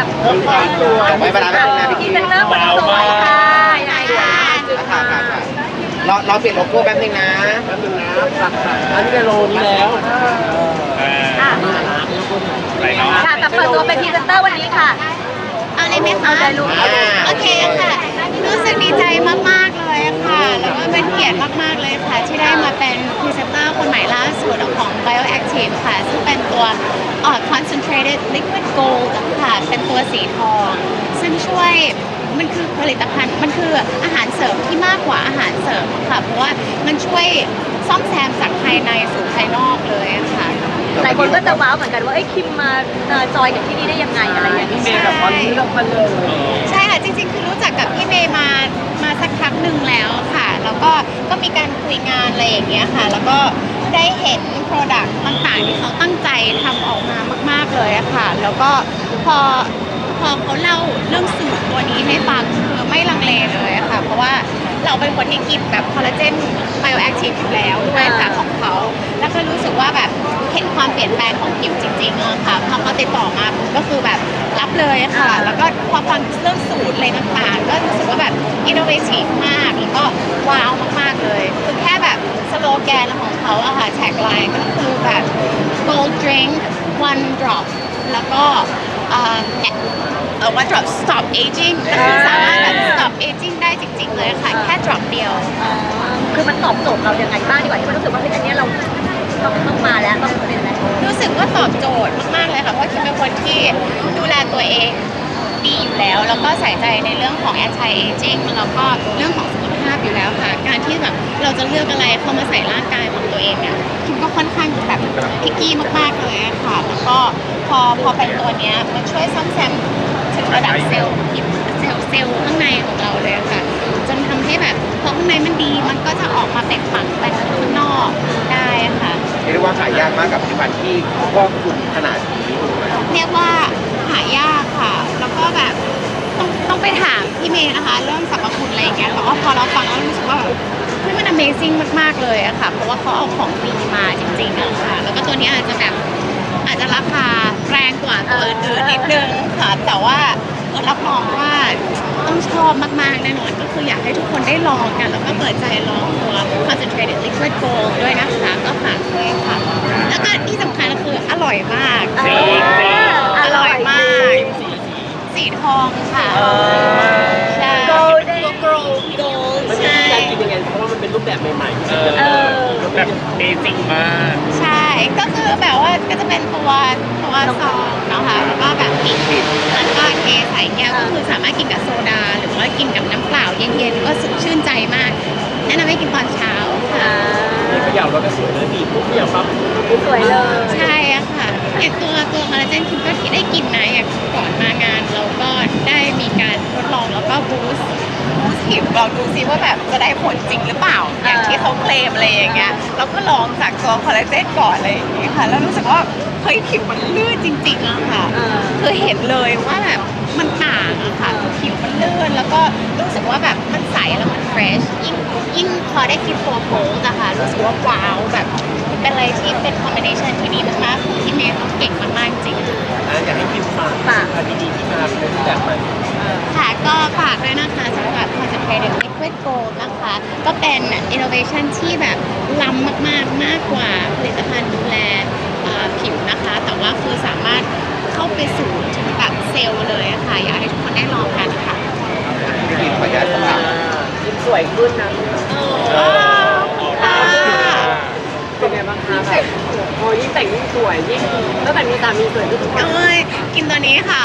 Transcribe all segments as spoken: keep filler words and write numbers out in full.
กับไม่เวลาไม่ถึงนาทีพรีเซนเตอร์คนสวยค่ะยังไงคะค่ะค่ะค่ะเราเราเปลี่ยนโลโก้แป๊บนึงนะแป๊บนึงนะตัดค่ะอันนี้เป็นโลนี้แล้วค่ะไรเนาะค่ะแต่เปิดตัวเป็นพรีเซนเตอร์วันนี้ค่ะเอาเลยไหมคะเอาใจลูกโอเคค่ะ รู้สึกดีใจมาก ๆ เลยค่ะ แล้วก็เป็นเกียรติมาก ๆ เลยค่ะ ที่ได้มาเป็นพรีเซนเตอร์คนใหม่ล่าสุดของ Bioactive ค่ะ ซึ่งเป็นตัวเอ่อ concentrated liquid gold ค่ะ เป็นตัวสีทอง ซึ่งช่วยมันคือผลิตภัณฑ์ มันคืออาหารเสริมที่มากกว่าอาหารเสริมค่ะ เพราะว่ามันช่วยซ่อมแซมจากภายในสู่ภายนอกเลยอะค่ะหลายคนก็จะว้าวเหมือนกันว่าไอ้ยคิมมาเอ่อจอยกับที่นี่ได้ยังไงอะไรอย่างพี่นี้เมย์กับตอนนี้เราพันเลยใช่ค่ะ จริงๆ คือรู้จักกับพี่เมย์มามาสักพักหนึ่งแล้วค่ะ แล้วก็ก็มีการคุยงานอะไรอย่างเงี้ยค่ะ แล้วก็ได้เห็น Product ต่างๆที่เขาตั้งใจทำออกมามากๆเลยอะค่ะ แล้วก็พอพอเขาเล่าเรื่องสูตรตัวนี้ให้ฟังคือไม่ลังเลเลยอะค่ะ เพราะว่าเราเป็นคนที่กินแบบคอลลาเจนไบโอแอคทีฟอยู่แล้วด้วยค่ะของเขาแล้วก็รู้สึกว่าแบบเห็นความเปลี่ยนแปลงของผิวจริงๆอะค่ะพอเขาติดต่อมาผมก็คือแบบรับเลยอะค่ะ แล้วก็พอฟังเรื่องสูตรอะไรต่างๆ ก็รู้สึกว่าแบบอินโนเวทีฟมาก แล้วก็ว้าวมากๆเลยคือแค่แบบสโลแกนของเขาอะค่ะแท็กไลน์ก็คือแบบ gold drink one drop แล้วก็เอ่อเอ่อ one drop stop aging ก็คือสามารถแบบ stop aging ได้จริงๆเลยค่ะ แค่ drop เดียวคือมันตอบโจทย์เรายังไงบ้างดีกว่าที่มันรู้สึกว่าเฮ้ยอันเนี้ยเราต้องต้องมาแล้วต้องเป็นแล้วรู้สึกว่าตอบโจทย์มาก ๆ เลยค่ะ เพราะคิมเป็นคนที่ดูแลตัวเองดีอยู่แล้ว แล้วก็ใส่ใจในเรื่องของ anti aging แล้วก็เรื่องของสุขภาพอยู่แล้วค่ะ การที่แบบเราจะเลือกอะไรเข้ามาใส่ร่างกายของตัวเองเนี่ยคิมก็ค่อนข้างแบบพิกกี้มาก ๆ เลยอะค่ะ แล้วก็พอพอเป็นตัวเนี้ยมันช่วยซ่อมแซมถึงระดับเซลล์ผิวเซลล์เซลล์ข้างในของเราเลยอะค่ะ จนทำให้แบบพอข้างในมันดีมันก็จะออกมาเป็นปักไปข้างนอกได้อะค่ะเรียกว่าหายากมากกับผลิตภัณฑ์ที่ครอบคลุมขนาดนี้เรียกว่าหายากค่ะ แล้วก็แบบต้องต้องไปถามพี่เมย์นะคะ เรื่องสรรพคุณอะไรอย่างเงี้ยแต่ว่าพอเราฟังแล้วรู้สึกว่าแบบเฮ้ยมัน Amazing มากๆเลยอะค่ะ เพราะว่าเขาเอาของดีมาจริงๆอะค่ะ แล้วก็ตัวนี้อาจจะแบบอาจจะราคาแรงกว่าตัวอื่นๆนิดนึงค่ะ แต่ว่าเออรับรองว่าต้องชอบมากๆแน่นอนก็คืออยากให้ทุกคนได้ลองกัน แล้วก็เปิดใจลองตัว concentrated liquid gold ด้วยนะคะก็ฝากด้วยค่ะ แล้วก็ที่สำคัญก็คืออร่อยมากจริงจริงอร่อยมาก สีทองค่ะ ใช่ golden gold มันเป็นใช่การกินยังไงเพราะว่ามันเป็นรูปแบบใหม่ๆเออเออแบบเบสิกมากใช่ ก็คือแบบว่าก็จะเป็นตัวตัวซองนะคะแล้วก็แบบมีแล้วก็เทใส่แก้วก็คือสามารถกินกับโซดา หรือว่ากินกับน้ำเปล่าเย็นๆ ก็สดชื่นใจมาก แนะนำให้กินตอนเช้าค่ะนี่เขย่าแล้วก็สวยเลยบีบปุ๊บเขย่าปั๊บสวยเลยใช่อะค่ะอย่างตัวตัวคอลลาเจนคิมก็ได้กินนะอย่างก่อนมางานเราก็ได้มีการทดลองแล้วก็บูสต์บูสต์ผิวเราดูซิว่าแบบจะได้ผลจริงหรือเปล่า อย่างที่เขาเคลมอะไรอย่างเงี้ยเราก็ลองจากตัวคอลลาเจนก่อนอะไรอย่างเงี้ยค่ะ แล้วรู้สึกว่าเฮ้ยผิวมันลื่นจริงๆอะค่ะเออคือเห็นเลยว่าแบบมันต่างอะค่ะคือผิวมันลื่นแล้วก็รู้สึกว่าแบบมันใสแล้วมันเฟรชยิ่งยิ่งพอได้กินตัวโพสนะคะรู้สึกว่าว้าวแบบเป็นอะไรที่เป็นคอมบิเนชันที่ดีมากๆของพี่เมย์เขาเก่งมากๆจริงอ่ะอยากให้พิมพ์ฝากฝากอันดีๆที่มาเป็นรูปแบบใหม่ค่ะก็ฝากด้วยนะคะสำหรับ concentrated liquid gold นะคะ ก็เป็น innovation ที่แบบล้ำมากๆ มากกว่าผลิตภัณฑ์ดูแลเอ่อผิวนะคะ แต่ว่าคือสามารถเข้าไปสู่ถึงแบบเซลล์เลยอะค่ะ อยากให้ทุกคนได้ลองกันค่ะพี่กินขออนุญาตถามยิ้มสวยขึ้นนะว้าวค่ะเป็นไงบ้างคะแบบพอยิ่งแต่งยิ่งสวยยิ่งตั้งแต่มีสามีสวยขึ้นทุกวันเอ้ยกินตัวนี้ค่ะ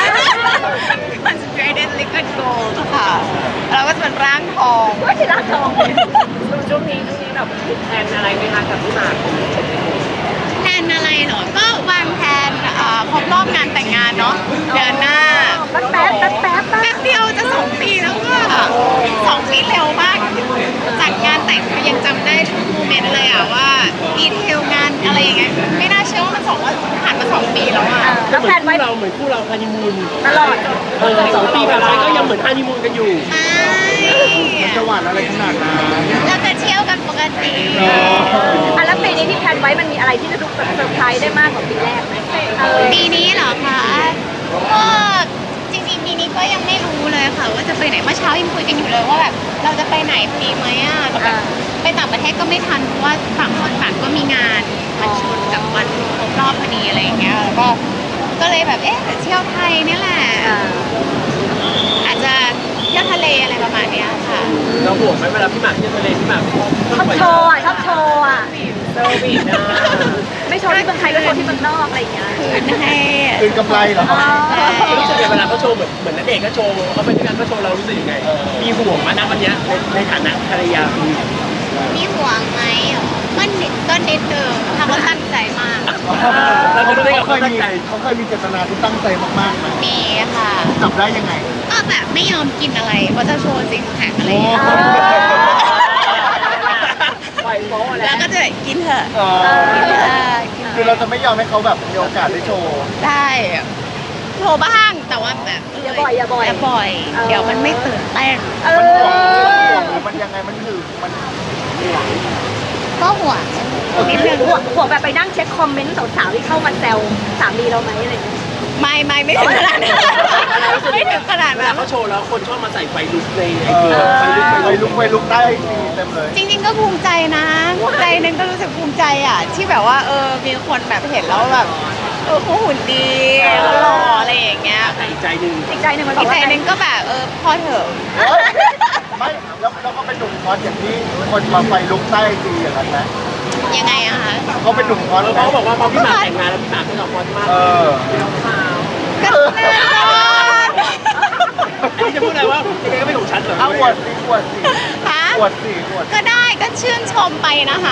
concentrated liquid gold ค่ะแล้วก็จะเป็นร่างทองว่าที่รักทองเลยช่วงนี้ช่วงนี้แบบมีแผนอะไรไหมคะกับพี่หมากแพลนอะไรเหรอ ก็วางแผนเอ่อครบรอบงานแต่งงานเนาะเดือนหน้าแป๊บแป๊บแป๊บแป๊บแป๊บเดียวจะสองปีแล้วค่ะสองปีเร็วมากจัดงานแต่งก็ยังจำได้ทุกโมเมนต์เลยอะว่าดีเทลงานอะไรอย่างเงี้ยไม่น่าเชื่อว่ามันสองว่าผ่านมาสองปีแล้วอะแล้วแพลนไว้เราเหมือนคู่เราฮันนีมูนตลอดเออสองปีผ่านไปก็ยังเหมือนฮันนีมูนกันอยู่ไม่จะหวานอะไรขนาดนั้นเราจะเที่ยวกันปกติอ่ะแล้วปีนี้ที่แพลนไว้มันมีอะไรที่จะดูเซอร์ไพรส์ได้มากกว่าปีแรกไหมเออปีนี้เหรอคะก็จริงๆปีนี้ก็ยังไม่รู้เลยค่ะว่าจะไปไหนเมื่อเช้ายังคุยกันอยู่เลยว่าแบบเราจะไปไหนดีไหมอ่ะแต่แบบไปต่างประเทศก็ไม่ทันเพราะว่าต่างคนต่างก็มีงานมันชนกับวันครบรอบพอดีอะไรอย่างเงี้ยแล้วก็ก็เลยแบบเอ๊ะเที่ยวไทยเนี่ยแหละอาจจะเที่ยวทะเลอะไรประมาณเนี้ยค่ะเราห่วงไหมเวลาพี่หมากเที่ยวทะเลพี่หมากชอบโชว์อ่ะชอบโชว์อ่ะเซอร์วิสนะไม่โชว์ที่เมืองไทยก็โชว์ที่เมืองนอกอะไรอย่างเงี้ยคืนให้คืนกำไรเหรอครับใช่รู้สึกยังไงเวลาเขาโชว์เหมือนเหมือนนักเอกก็โชว์เขาไปด้วยกันก็โชว์เรารู้สึกยังไงมีห่วงมานะวันเนี้ยในในฐานะภรรยาคุณมีห่วงไหมอ๋อก็นิดก็นิดเดิมทำก็ตั้งใจมากเราจะรู้ได้กับเคเขายตั้งมีใจเขาเคยมีเจตนาที่ตั้งใจมากๆไหมมีค่ะจับได้ยังไงก็แบบไม่ยอมกินอะไรเพราะจะโชว์ซิกแพคอะไรอย่างเงี้ยอ๋อปล่อยโม้แล้แล้ว วก็จะกินเถอะอ๋อกินเถอะกินเถคืออะเราจะไม่ยอมให้เขาแบบมีโอกาสได้โชว์ได้โชว์บ้างแต่ว่าแบบอย่าบ่อยอย่าบ่อยอย่าบ่อยเออเดี๋ยวมันไม่ตื่นเต้นเอมันห่วงอหรือมันยังไงมันหึงมันก็ห่วงนิดนึงห่วงห่วงแบบไปนั่งเช็คคอมเมนต์สาวๆที่เข้ามาแซวสามีเราไหมอะไรอย่างเงี้ยไม่ไม่ไม่ถึงขนาดนั้นไม่ถึงขนาดเวนั้ลาน เขาโชว์แล้วคนชอบมาใส่ไฟลุกในไอเอจีอไฟลุกไฟไปลุลุกกไปลุกได้ดีเต็มเลยจริงๆก็ภูมิใจนะใจหนึงก็รู้สึกภูมิใจอ่ะที่แบบว่าเออมีคนแบบเห็นแล้วแบบเออเขาหุ่นดีเขาหล่ออะไรอย่างเงี้ยแต่อีกใจหนึ่งอีกใจหนึ่งมันบอีอกกใจว่าหนึงก็แบบเออพอเถอะไม่แล้วแล้วเขาเป็นหนุ่มคอสอย่างที่คนมาไฟลุกใต้ดีอย่างนั้นนะยังไงอะคะเขาเป็นหนุ่มคอสแล้วเขาบอกว่าพอพี่หมากแต่งงานแล้วพี่หมากไม่หลอกคอนมากเออก็แน่นอนอันนี้จะพูดอะไรว่ายังไงก็ไม่ของฉันเหรอเอาอวดสิอวดสิคะอวดสิอวดก็ได้ก็ชื่นชมไปนะคะ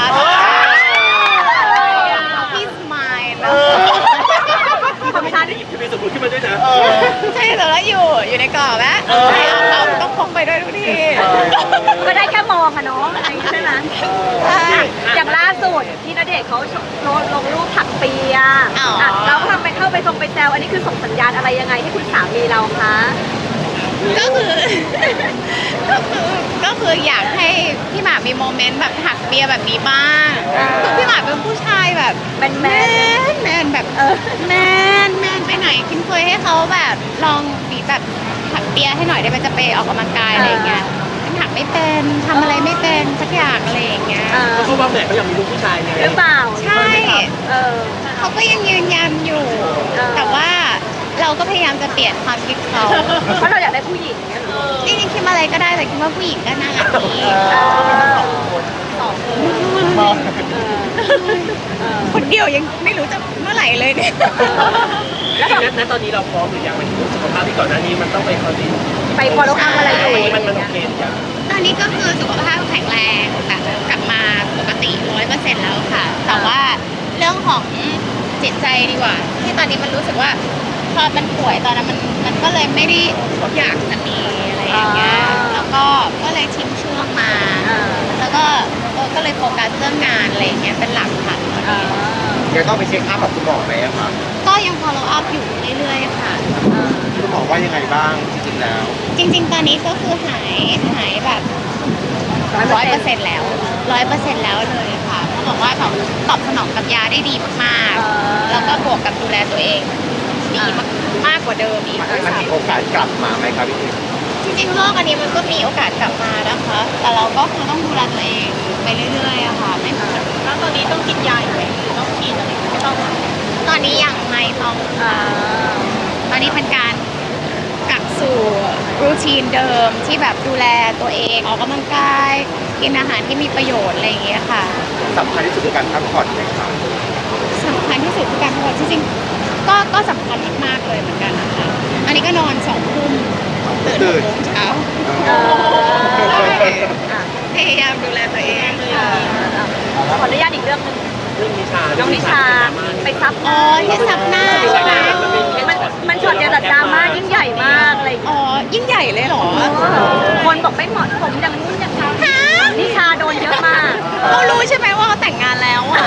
พี่สมายนะของฉันหยิบทะเบียนสมรสขึ้นมาด้วยนะเออใช่แต่แล้วอยู่อยู่ในกรอบนะเออใช่เอาเอาต้องพกไปด้วยทุกทีเออก็ได้แค่มองอะเนาะอะไรอย่างเงี้ยใช่ไหมใช่อย่างล่าสุดที่ณเดชน์เขาลงลงรูปถักเปียอ๋ออ่ะเราก็ทำไปเข้าไปทรงไปแซวอันนี้คือส่งสัญญาณอะไรยังไงให้คุณสามีเราคะก็คือ ก็คือก็คืออยากให้พี่หมากมีโมเมนต์แบบถักเปียแบบนี้บ้างคือพี่หมากเป็นผู้ชายแบบแมนแมแมนนแมนแบบเออแมนแมนไปไหนคิมเคยให้เขาแบบลองบีแบบถักเปียให้หน่อยได้ไหมจะไปออกกำลังกายอะไรอย่างเงี้ยฉันถักไม่เป็นทำอะไรไม่เป็นสักอย่างอะไรอย่างเงี้ยเออเขาว่าแหมเขาอยากมีลูกผู้ชายไงหรือเปล่าใช่เออเขาก็ยังยืนยันอยู่เออแต่ว่าเราก็พยายามจะเปลี่ยนความคิดเขาเพราะเราอยากได้ผู้หญิงเนี่ยเหรอจริงๆคิดอะไรก็ได้แต่คิดว่าผู้หญิงก็น่ารักดีเออมาเออคนเดียวยังไม่รู้จะเมื่อไหร่เลยเนี่ยแล้วณตอนนี้เราพร้อมหรือยังมันสุขภาพที่ก่อนหน้านี้มันต้องไปคอนดิไป follow up อะไรอยู่มันอะไรมันอมันย่างโอเงี้ยเคหรือยังตอนนี้ก็คือสุขภาพแข็งแรงแบบกลับมาปกติร้อยเปอร์เซ็นต์แล้วค่ะ แต่ว่าเรื่องของจิตใจดีกว่า ที่ตอนนี้มันรู้สึกว่าพอมันป่วยตอนนั้นมันมันก็เลยไม่ได้อยากจะมีอะไรอย่างเงี้ยแล้วก็ก็เลยทิ้งช่วงมาเออแล้วก็เออก็เลยโฟกัสเรื่องงานอะไรอย่างเงี้ยเป็นหลักค่ะตอนเอนี้อยังต้องไปเช็คอัพกับคุณหมอไหมอะครับก็ยัง follow up อยู่เรื่อยๆค่ะคุณหมอว่ายังไงบ้างจริงๆแล้วจริงๆ ตอนนี้ก็คือหายหายแบบร้อยเปอร์เซ็นต์แล้วร้อยเปอร์เซ็นต์แล้วเลยค่ะเขาบอกว่าตอบตอบสนองกับยาได้ดีมากเออๆ แล้วก็บวกกับดูแลตัวเองดีมากมากกว่าเดิมอีกมันด้วยมันมีซ้ำโอกาสกลับมาไหมครับพี่ทิพย์จริงๆโรคอันนี้มันก็มีโอกาสกลับมานะคะ แต่เราก็คือต้องดูแลตัวเองไปเรื่อยๆอะค่ะไม่แล้วตอนนี้ต้องกินยาอยู่ไหมหรือต้องกินอะไรไม่ต้องตอนนี้ยังไม่ต้องเออตอนนี้เป็นการกลับสู่รูทีนเดิมที่แบบดูแลตัวเองออกกำลังกาย กินอาหารที่มีประโยชน์อะไรอย่างเงี้ยค่ะสำคัญที่สุดคือการพักผ่อนไหมครับสำคัญที่สุดคือการพักผ่อนจริงๆก็ก็สำคัญมากๆเลยเหมือนกันนะคะอันนี้ก็นอนสองทุ่มตื่นหกโมงเช้าเออใช่อ่ะพยายามดูแลตัวเองเออขออนุญาตอีกเรื่องหนึงเรื่องนิชาน้องนิชาไปซับหอ๋อน้าที่ซับหน้าใช่ไหมมันมันช็อตเดียวแต่ดราม่ายิ่งใหญ่มากอะไรอย่างอ๋เงี้ยอยิ่งใหญ่เลยเหรอคนบอกไม่เหมาะสมอย่างนู้นอย่างนี้ฮะนิชาโดนเยอะมากเขารู้ใช่ไหมว่าเขาแต่งงานแล้วอ่ะ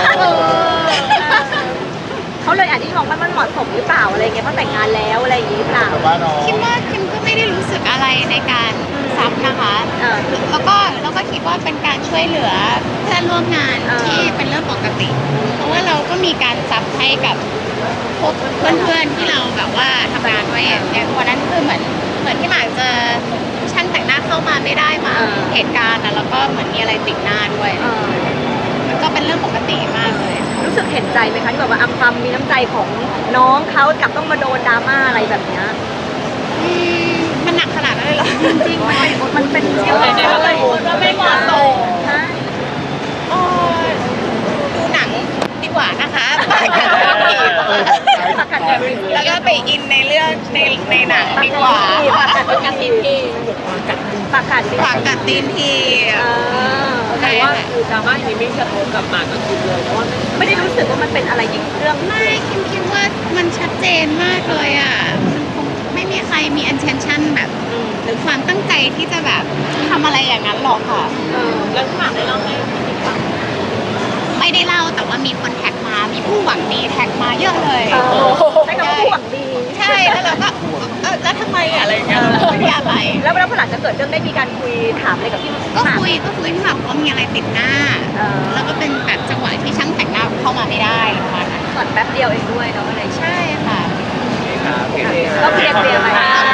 เขาเลยอาจจะมองว่ามันเหมาะสมหรือเปล่าอะไรเงี้ยเพราะแต่งงานแล้วอะไรอย่างงี้หรือเปล่าแต่ว่าน้องคิดว่าคิมก็ไม่ได้รู้สึกอะไรในการซับนะคะเออแล้วก็แล้วก็คิดว่าเป็นการช่วยเหลือเพื่อนร่วมงานเออที่เป็นเรื่องปกติ เพราะว่าเราก็มีการซับให้กับพบเพื่อนๆที่เราแบบว่าทำงานด้วยอย่างวันนั้นคือเหมือนเหมือนที่หมากเจอช่างแต่งหน้าเข้ามาไม่ได้มาเหตุการณ์นะแล้วก็เหมือนมีอะไรติดหน้าด้วยเออมันก็เป็นเรื่องปกติมากเลยรู้สึกเห็นใจไหมคะที่แบบว่าอ่ะความมีน้ำใจของน้องเขากลับต้องมาโดนดราม่าอะไรแบบเนี้ยอืมมันหนักขนาดนั้นเลยเหรอจริงๆมันเป็นเยอะเลยว่าไม่เหมาะสมใช่เออดูหนังดีกว่านะคะปากกัดแบบนี้แล้วก็ไปอินในเรื่องในในหนังดีกว่าปากกัดปากกัดตีนทีปากกัดฝากกัดตีนทีเออใช่แต่ว่าค่ะคือดราม่าอย่างนี้ไม่กระทบกับหมากกับคิมเลยเพราะว่าไม่ได้รู้สึกว่ามันเป็นอะไรยิ่งเรื่องไม่คิมคิดว่ามันชัดเจนมากเลยอ่ะมันคงไม่มีใครมี intention แบบ หรือความตั้งใจที่จะแบบทำอะไรอย่างนั้นหรอกค่ะเออแล้วหมากได้เล่าให้พี่ฟังไม่ได้เล่าแต่ว่ามีคนแท็กมา มีผู้หวังดีแท็กมาเยอะเลยเออใช้คำว่าผู้หวังดีใช่แล้วเราก็เออแล้วทำไมอะอะไรอย่างเงี้ยเราไม่ได้อะไรแล้วแล้วพอหลังจากเกิดเรื่องได้มีการคุยถามอะไรกับพี่ก็หมากคุยก็คุยที่แบบว่ามีอะไรติดหน้าเออแล้วก็เป็นแบบจังหวะที่ช่างแต่งหน้าเข้ามาไม่ได้ประมาณนั้นก่อนแป๊บเดียวเองด้วยเนาะอะไรใช่ค่ะครับโอเคก็เคลียร์เคลียร์ไป